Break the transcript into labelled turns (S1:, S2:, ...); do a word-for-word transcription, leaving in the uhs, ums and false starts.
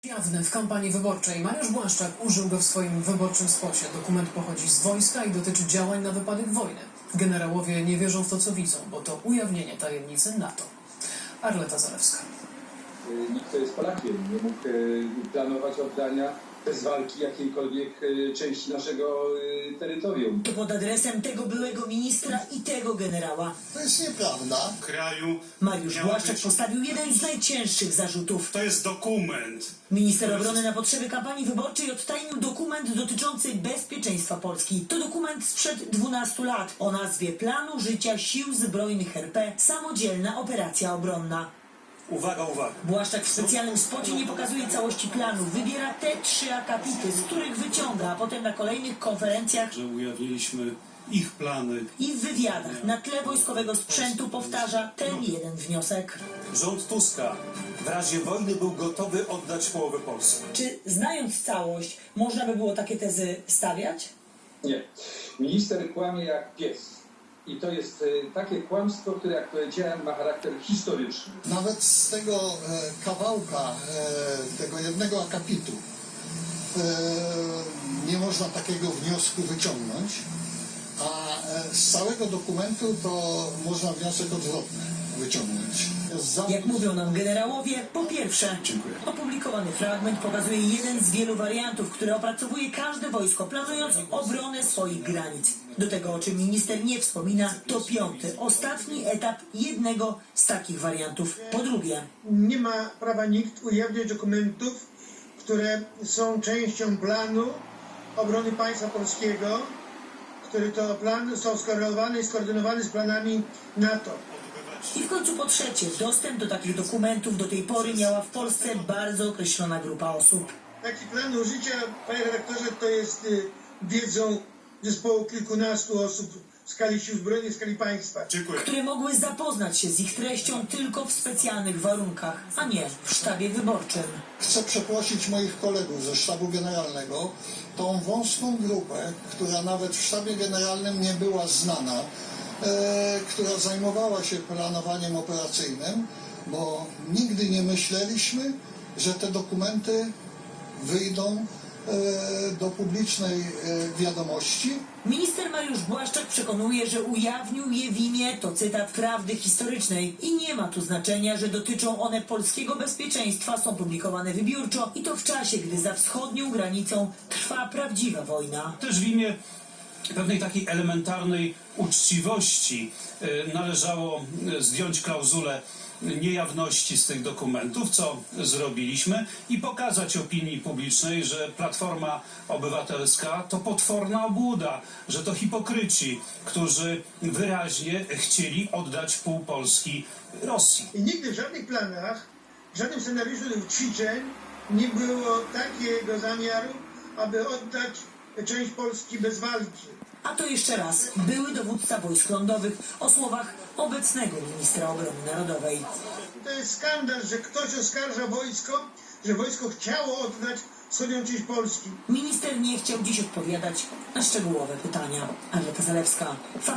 S1: Jawny w kampanii wyborczej. Mariusz Błaszczak użył go w swoim wyborczym spocie. Dokument pochodzi z wojska i dotyczy działań na wypadek wojny. Generałowie nie wierzą w to, co widzą, bo to ujawnienie tajemnicy NATO. Arleta Zalewska.
S2: Nikt, kto jest Polakiem, nie mógł planować oddania bez walki jakiejkolwiek części naszego terytorium.
S3: To pod adresem tego byłego ministra i tego generała.
S4: To jest nieprawda.
S5: Kraju
S3: Mariusz
S5: miał
S3: Błaszczak
S5: być...
S3: postawił jeden z najcięższych zarzutów.
S5: To jest dokument.
S3: Minister obrony na potrzeby kampanii wyborczej odtajnił dokument dotyczący bezpieczeństwa Polski. To dokument sprzed dwunastu lat o nazwie Planu Życia Sił Zbrojnych R P Samodzielna Operacja Obronna.
S5: Uwaga, uwaga.
S3: Błaszczak w specjalnym spocie nie pokazuje całości planu. Wybiera te trzy akapity, z których wyciąga, a potem na kolejnych konferencjach
S5: Że ujawniliśmy ich plany.
S3: i w wywiadach na tle wojskowego sprzętu powtarza ten jeden wniosek.
S6: Rząd Tuska w razie wojny był gotowy oddać połowę Polski.
S3: Czy znając całość, można by było takie tezy stawiać?
S2: Nie. Minister kłamie jak pies. I to jest takie kłamstwo, które, jak powiedziałem, ma charakter historyczny.
S4: Nawet z tego e, kawałka, e, tego jednego akapitu e, nie można takiego wniosku wyciągnąć, a e, z całego dokumentu to można wniosek odwrotny wyciągnąć. Zapis...
S3: Jak mówią nam generałowie, po pierwsze,
S5: Dziękuję.
S3: opublikowany fragment pokazuje jeden z wielu wariantów, które opracowuje każde wojsko, planując obronę swoich granic. Do tego, o czym minister nie wspomina, to piąty, ostatni etap jednego z takich wariantów. Po drugie,
S7: Nie ma prawa nikt ujawniać dokumentów, które są częścią planu obrony państwa polskiego, który to plan został skorelowany i skoordynowany z planami NATO.
S3: i w końcu po trzecie, dostęp do takich dokumentów do tej pory miała w Polsce bardzo określona grupa osób.
S7: Taki plan użycia, panie redaktorze, to jest y, wiedzą zespołu kilkunastu osób w skali sił zbrojnych, w skali państwa.
S5: Dziękuję.
S3: Które mogły zapoznać się z ich treścią tylko w specjalnych warunkach, a nie w sztabie wyborczym.
S4: Chcę przeprosić moich kolegów ze sztabu generalnego, tą wąską grupę, która nawet w sztabie generalnym nie była znana, e, która zajmowała się planowaniem operacyjnym, bo nigdy nie myśleliśmy, że te dokumenty wyjdą e, do publicznej e, wiadomości.
S3: Minister Mariusz Błaszczak przekonuje, że ujawnił je w imię, to cytat, prawdy historycznej i nie ma tu znaczenia, że dotyczą one polskiego bezpieczeństwa, są publikowane wybiórczo i to w czasie, gdy za wschodnią granicą trwa prawdziwa wojna.
S5: Też w imię pewnej takiej elementarnej uczciwości y, należało y, zdjąć klauzulę niejawności z tych dokumentów, co zrobiliśmy, i pokazać opinii publicznej, że Platforma Obywatelska to potworna obłuda, że to hipokryci, którzy wyraźnie chcieli oddać pół Polski Rosji.
S7: I nigdy w żadnych planach, w żadnym scenariuszu tych ćwiczeń nie było takiego zamiaru, aby oddać część Polski bez walki.
S3: A to jeszcze raz były dowódca wojsk lądowych o słowach obecnego ministra obrony narodowej.
S7: To jest skandal, że ktoś oskarża wojsko, że wojsko chciało oddać wschodnią część Polski.
S3: Minister nie chciał dziś odpowiadać na szczegółowe pytania. Arleta Zalewska.